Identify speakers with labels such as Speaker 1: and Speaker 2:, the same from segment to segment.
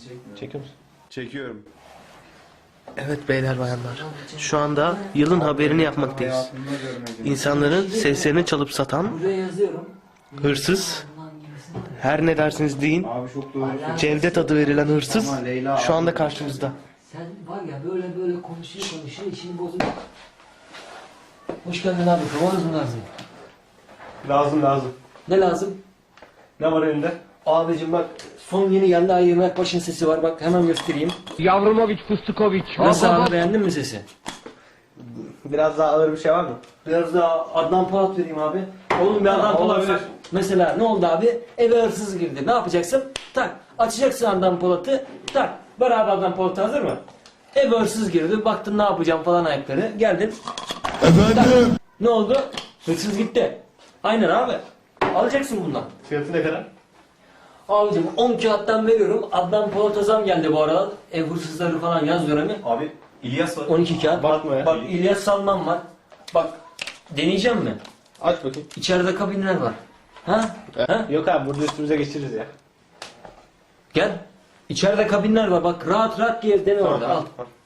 Speaker 1: Çekiyor musun?
Speaker 2: Çekiyorum.
Speaker 1: Evet beyler bayanlar. Şu anda yılın haberini yapmaktayız. İnsanların seslerini çalıp satan hırsız, her ne dersiniz deyin, Cevdet adı verilen hırsız şu anda karşımızda.
Speaker 3: Sen var ya böyle konuşuyor işini bozuyor. Hoş geldin abi. Kavanoz mu lazım?
Speaker 1: Lazım.
Speaker 3: Ne lazım?
Speaker 1: Ne var elinde?
Speaker 3: Abicim bak son yeni geldi ayırmak başın sesi var bak hemen göstereyim.
Speaker 4: Yavrumovic, Fıstıkovic.
Speaker 3: Nasıl abi beğendin mi sesi?
Speaker 1: Biraz daha ağır bir şey var mı?
Speaker 3: Biraz daha Adnan Polat vereyim abi. Oğlum bir Adnan Polat ver. Mesela ne oldu abi? Eve hırsız girdi. Ne yapacaksın? Tak. Açacaksın Adnan Polat'ı. Tak. Beraber Adnan Polat hazır mı? Eve hırsız girdi. Baktın ne yapacağım falan ayakları. Geldin. Efendim? Ne oldu? Hırsız gitti. Aynen abi. Alacaksın bundan.
Speaker 1: Fiyatı ne kadar?
Speaker 3: Abicim 10 kağıttan veriyorum. Adnan Polat'a zam geldi bu aralar. Ev hırsızları falan yaz dönemi.
Speaker 5: Abi İlyas var.
Speaker 3: 12 kağıt.
Speaker 1: Bakma ya.
Speaker 3: Bak İlyas Salman var. Bak deneyeceğim mi?
Speaker 1: Aç bakayım.
Speaker 3: İçeride kabinler var. Ha? Ha?
Speaker 1: Yok abi burada üstümüze geçiririz ya.
Speaker 3: Gel. İçeride kabinler var. Bak rahat gez dene orada. Al.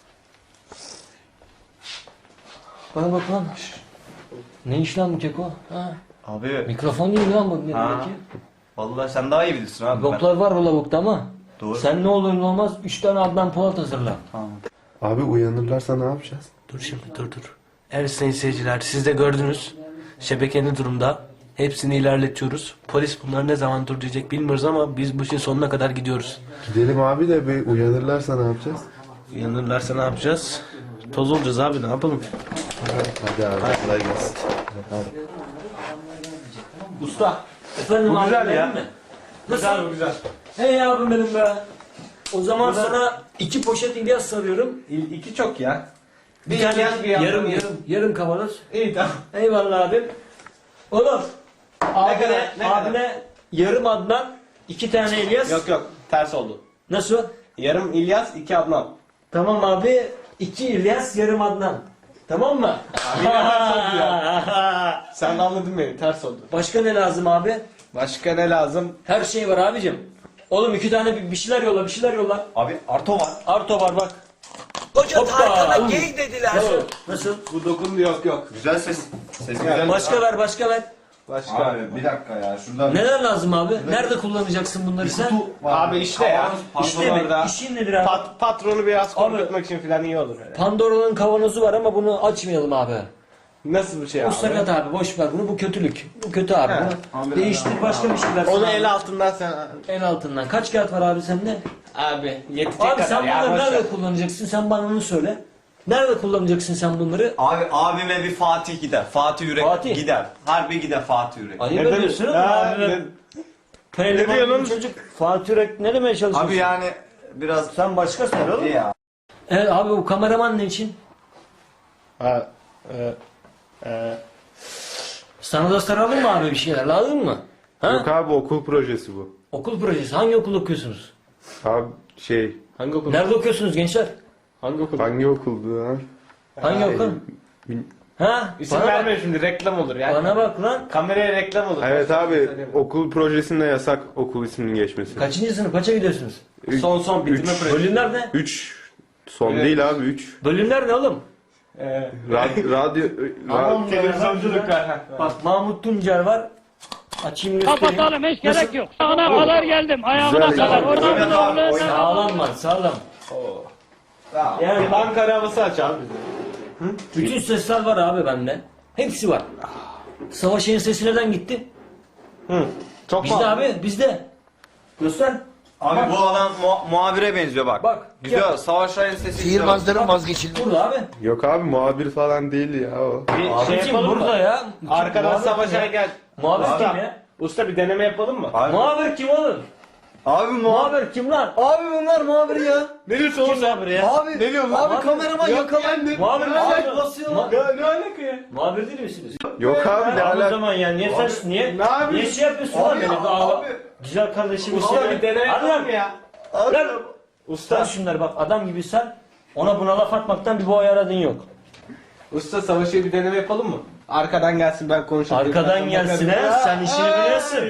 Speaker 3: Bana bak lan. Ne iş lan bu keko? Ha?
Speaker 5: Abi
Speaker 3: Mikrofon değil lan bu elindeki.
Speaker 5: vallahi sen daha iyi bilirsin abi.
Speaker 3: Boklar var o lavukta ama.
Speaker 5: Doğru.
Speaker 3: Sen ne olur ne olmaz 3 tane Adnan Polat hazırla.
Speaker 5: Tamam.
Speaker 2: Abi uyanırlarsa ne yapacağız?
Speaker 1: Dur şimdi dur. Evet sayın seyirciler siz de gördünüz. Şebeke ne durumda? Hepsini ilerletiyoruz. Polis bunları ne zaman dur diyecek bilmiyoruz ama biz bu işin sonuna kadar gidiyoruz.
Speaker 2: Gidelim abi de bir uyanırlarsa ne yapacağız?
Speaker 1: Uyanırlarsa ne yapacağız? Toz olacağız abi ne yapalım?
Speaker 2: Hadi abi kolay gelsin.
Speaker 1: Usta.
Speaker 3: Efendim
Speaker 1: Bu
Speaker 3: abi,
Speaker 1: güzel ya.
Speaker 3: beğendin mi? Nasıl?
Speaker 1: Bu güzel.
Speaker 3: Hey abim benim be. O zaman sana 2 poşet İlyas sarıyorum.
Speaker 1: İki çok ya.
Speaker 3: Bir tane
Speaker 1: İlyas, bir
Speaker 3: yarım
Speaker 1: Adnan.
Speaker 3: yarım kavanoz.
Speaker 1: İyi tamam.
Speaker 3: Eyvallah abim. Oğlum.
Speaker 1: kadar, ne
Speaker 3: Abine yarım Adnan, 2 tane İlyas.
Speaker 1: Yok ters oldu.
Speaker 3: Nasıl?
Speaker 1: Yarım İlyas, iki Adnan.
Speaker 3: Tamam abi. 2 İlyas, yarım Adnan. Tamam mı?
Speaker 1: Sen de anladın beni ters oldu.
Speaker 3: Başka ne lazım abi?
Speaker 1: Başka ne lazım?
Speaker 3: Her şey var abicim. Oğlum 2 tane bir şeyler yolla.
Speaker 5: Abi Arto var.
Speaker 3: Arto var bak.
Speaker 6: Hoca Tarkan'a
Speaker 3: Hoppa.
Speaker 6: gay dediler.
Speaker 3: Nasıl?
Speaker 1: Bu dokundu yok.
Speaker 5: Güzel ses. Ses güzel.
Speaker 3: Başka ver.
Speaker 1: Başka.
Speaker 5: Abi bir dakika ya şuradan.
Speaker 3: Neler lazım abi? Nerede kullanacaksın bunları sen?
Speaker 5: Kutu var.
Speaker 1: Abi işte ya.
Speaker 3: İşte mi? İşin nedir abi?
Speaker 1: Patronu biraz
Speaker 3: Abi-
Speaker 1: korkutmak için falan iyi olur.
Speaker 3: Pandora'nın kavanozu var ama bunu açmayalım abi.
Speaker 1: Nasıl bir şey
Speaker 3: Bu
Speaker 1: abi?
Speaker 3: sakat abi boş ver bunu, bu kötülük. Bu kötü abi. Bunu değiştir başka bir şeyler.
Speaker 1: Onu
Speaker 3: sana.
Speaker 1: el altından sen...
Speaker 3: En altından. Kaç kağıt var abi sende?
Speaker 1: Abi yetecek
Speaker 3: Abi
Speaker 1: kadar
Speaker 3: sen
Speaker 1: ya.
Speaker 3: bunları
Speaker 1: boş ver.
Speaker 3: nerede kullanacaksın? Sen bana onu söyle. Nerede kullanacaksın sen bunları?
Speaker 5: Abi abime bir Fatih gider. Fatih Yürek
Speaker 3: Fatih.
Speaker 5: gider. Harbi gider Fatih Yürek.
Speaker 3: Ayıp
Speaker 1: Ne
Speaker 3: ediyorsun
Speaker 1: diyorsun?
Speaker 3: ama.
Speaker 1: Ha, ne-
Speaker 3: Pehlivan
Speaker 1: ne diyorsun?
Speaker 3: bir çocuk. Fatih Yürek ne demeye çalışıyorsun?
Speaker 5: Abi yani biraz
Speaker 3: Sen başka söyle oğlum.
Speaker 5: iyi ya.
Speaker 3: Evet abi bu kameraman ne için?
Speaker 1: Ha,
Speaker 3: Sana da saralım mı abi bir şeyler lazım mı? Ha?
Speaker 2: Yok abi okul projesi bu.
Speaker 3: Okul projesi. Hangi okul okuyorsunuz?
Speaker 2: Abi
Speaker 1: hangi okul?
Speaker 3: Nerede okuyorsunuz gençler?
Speaker 1: Hangi okul?
Speaker 2: hangi okuldu lan?
Speaker 3: Hangi okul? Ha?
Speaker 1: İsim
Speaker 3: Bana bak.
Speaker 1: verme şimdi reklam olur yani.
Speaker 3: Bana bak lan.
Speaker 1: Kameraya reklam olur.
Speaker 2: Evet abi okul projesinde yasak okul isminin geçmesi.
Speaker 3: Kaçıncı sınıf? Kaça gidiyorsunuz?
Speaker 1: Son bitirme
Speaker 2: Üç.
Speaker 1: projesi.
Speaker 3: Bölümler ne?
Speaker 2: 3 son
Speaker 1: Evet.
Speaker 2: değil abi 3.
Speaker 3: Bölümler ne oğlum?
Speaker 2: Radyo
Speaker 1: Televizyonculuk var. Ha.
Speaker 3: Bak Mahmut Tuncer var. Açayım göstereyim.
Speaker 4: Kapatalım hiç gerek yok. Sağına kadar geldim. Ayağına
Speaker 2: Güzel
Speaker 4: kadar.
Speaker 2: ya.
Speaker 4: Oradan
Speaker 5: Oyna
Speaker 4: da
Speaker 5: abi,
Speaker 4: oradan
Speaker 5: oyna.
Speaker 4: da.
Speaker 3: Sağlam var sağlam.
Speaker 1: Yani banka arabası aç abi.
Speaker 3: Bütün sesler var abi bende. Hepsi var. Savaş'ın sesi neden gitti?
Speaker 1: Çok
Speaker 3: Bizde abi bizde. Göster.
Speaker 5: Abi bu adam muhabire benziyor bak.
Speaker 3: Bak.
Speaker 5: Güzel. Savaş Ray'ın sesi güzel.
Speaker 6: Sihirbazların vazgeçilmezi.
Speaker 3: Burada abi.
Speaker 2: Yok abi muhabir falan değil ya o.
Speaker 1: Bir şey
Speaker 3: Abicim
Speaker 1: yapalım
Speaker 3: burada
Speaker 1: mı?
Speaker 3: ya.
Speaker 1: Arkadan
Speaker 3: Muhabir kim
Speaker 1: savaşa
Speaker 3: ya?
Speaker 1: gel.
Speaker 3: Muhabir
Speaker 1: Usta.
Speaker 3: kim ya?
Speaker 1: Usta bir deneme yapalım mı?
Speaker 5: Abi,
Speaker 3: Muhabir kim oğlum?
Speaker 5: abi
Speaker 3: Muhabir kim lan?
Speaker 6: Abi bunlar muhabir ya.
Speaker 1: Ne diyorsun oğlum
Speaker 3: Kim
Speaker 1: sen?
Speaker 3: muhabir ya?
Speaker 6: Abi,
Speaker 1: Ne diyorsun lan?
Speaker 6: abi kameraman yakalandı.
Speaker 3: Muhabir mi?
Speaker 6: Ay, basıyorlar.
Speaker 1: Ne alaka ya?
Speaker 3: Muhabir değil misiniz?
Speaker 2: Yok abi ne
Speaker 3: Abi o
Speaker 2: alaka?
Speaker 3: zaman ya niye sen niye
Speaker 1: yapıyorsun?
Speaker 3: niye şey yapıyorsun lan beni?
Speaker 5: abi.
Speaker 3: Güzel kardeşim
Speaker 1: Usta bir deneme
Speaker 3: Hadi
Speaker 1: yapalım
Speaker 3: lan.
Speaker 1: ya.
Speaker 3: Lan.
Speaker 1: Usta.
Speaker 3: Sen şunları bak adam gibi sen ona buna laf atmaktan bir boy aradın yok.
Speaker 1: Usta savaşı bir deneme yapalım mı? Arkadan gelsin ben konuşayım.
Speaker 3: Arkadan gelsin he sen işini biliyorsun.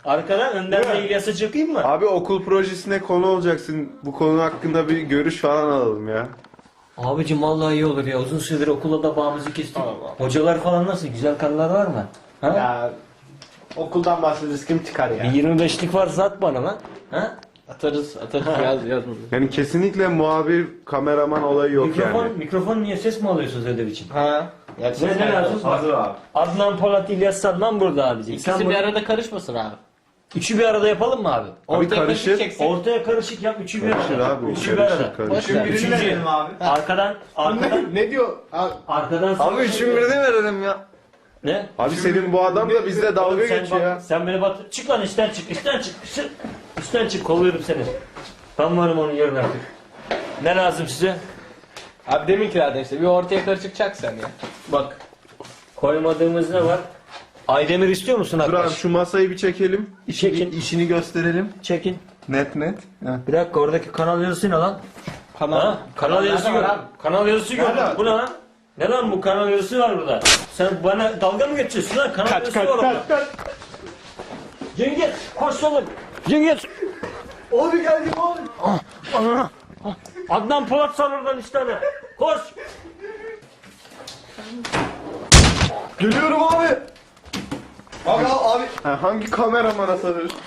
Speaker 3: Arkadan önden de İlyas'a çakayım mı?
Speaker 2: Abi okul projesine konu olacaksın. Bu konu hakkında bir görüş falan alalım ya.
Speaker 3: Abicim vallahi iyi olur ya. Uzun süredir okulda da bağımızı kestik. Hocalar falan nasıl? Güzel kanılar var mı? Ha?
Speaker 1: Ya okuldan bahsediyoruz, kim çıkar ya?
Speaker 3: Bir 25'lik varsa at bana lan. Ha?
Speaker 1: Atarız yaz.
Speaker 2: Yani kesinlikle muhabir, kameraman olayı yok yani.
Speaker 3: Mikrofon niye ses mi alıyorsunuz ödev için?
Speaker 1: Ha. Ya
Speaker 3: Ne lazım?
Speaker 5: Hazır abi.
Speaker 3: Adnan Polat, İlyas Salman burada abicim. Sen
Speaker 1: İkisi
Speaker 3: bu-
Speaker 1: bir arada karışmasın abi.
Speaker 3: Üçü bir arada yapalım mı abi?
Speaker 2: Abi karışır.
Speaker 3: Ortaya karışık yap, üçü bir
Speaker 2: Karışır
Speaker 3: arada.
Speaker 2: abi.
Speaker 3: Üçü bir arada.
Speaker 2: Karışır karışır.
Speaker 1: Boş ver.
Speaker 5: Birini verelim abi.
Speaker 3: Arkadan
Speaker 1: Ne diyor? Abi,
Speaker 3: arkadan
Speaker 5: Abi üçün birini verelim ya.
Speaker 3: Ne?
Speaker 2: Abi senin bu adam da bizle dalga
Speaker 3: Sen
Speaker 2: geçiyor
Speaker 3: bak-
Speaker 2: ya.
Speaker 3: Sen beni bat. Çık lan işten çık. İşten çık. Kolluyorum seni. Ben varım onun yerine artık. Ne lazım size?
Speaker 1: abi deminkilerden işte bir ortaya karışık sen ya.
Speaker 3: Bak. Koymadığımız ne var? Aydemir istiyor musun
Speaker 2: Dur abi
Speaker 3: arkadaş?
Speaker 2: şu masayı bir çekelim.
Speaker 3: Çekin.
Speaker 5: İşini gösterelim.
Speaker 3: Çekin.
Speaker 5: Net net.
Speaker 3: Bir dakika oradaki kanal yazısı ne lan? Ha? Kanal yazısı
Speaker 1: nerede var
Speaker 3: gördüm. Kanal yazısı gördüm. Bu ne lan? Ne lan bu kanal yazısı var burada? Sen bana dalga mı geçiyorsun lan? Kanal yazısı var orada. Cengiz koş oğlum. Cengiz.
Speaker 5: Abi geldim abi.
Speaker 3: Adnan Polat sal oradan işte hani. Koş.
Speaker 5: Geliyorum abi. Abi.
Speaker 2: Ha, hangi kameramana sarıyorsun?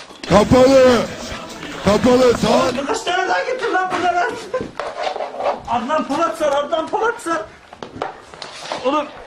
Speaker 7: Kapalı saat.
Speaker 3: Kaç tane daha getir lan burada lan. Adnan Polat sal. Oğlum